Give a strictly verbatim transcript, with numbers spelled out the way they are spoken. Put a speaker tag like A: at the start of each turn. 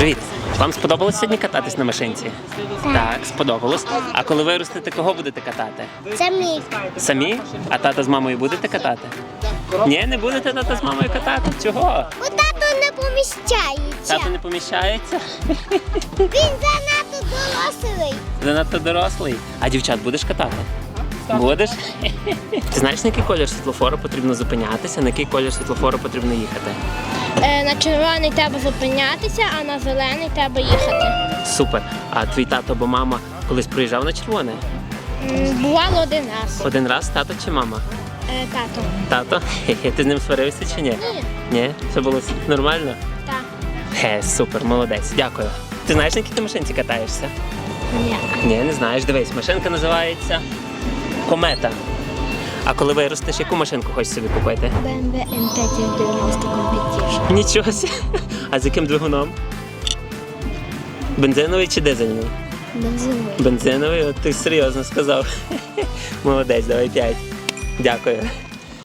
A: Привіт! Вам сподобалось сьогодні кататись на машинці?
B: Так.
A: Так, сподобалось. А коли виростете, кого будете катати?
B: Це мій.
A: Самі? А тата з мамою будете катати? Ні, не будете тата з мамою катати? Чого?
B: Бо тато не поміщається.
A: Тато не поміщається?
B: Він занадто дорослий.
A: Занадто дорослий. А дівчат будеш катати? Будеш? Ти знаєш, на який колір світлофору потрібно зупинятися, на який колір світлофору потрібно їхати?
C: Е, на червоний треба зупинятися, а на зелений треба їхати.
A: Супер. А твій тато або мама колись приїжджав на червоне?
C: М, Бувало один раз.
A: Один раз тато чи мама?
C: Е, тато.
A: Тато? Хе-хе, ти з ним сварився чи ні?
C: Ні.
A: Ні? Все було нормально?
C: Так.
A: Хе, супер, молодець, дякую. Ти знаєш, на якій ти машинці катаєшся?
C: Ні.
A: Ні, не знаєш. Дивись, машинка називається Комета. А коли виростеш, яку машинку хочеш собі купити?
C: бе ем ве ем п'ять дев'яносто Competition.
A: Нічого сі. А з яким двигуном? Бензиновий чи дизельний?
C: Бензиновий.
A: Бензиновий, от ти серйозно сказав. Молодець, давай п'ять. Дякую.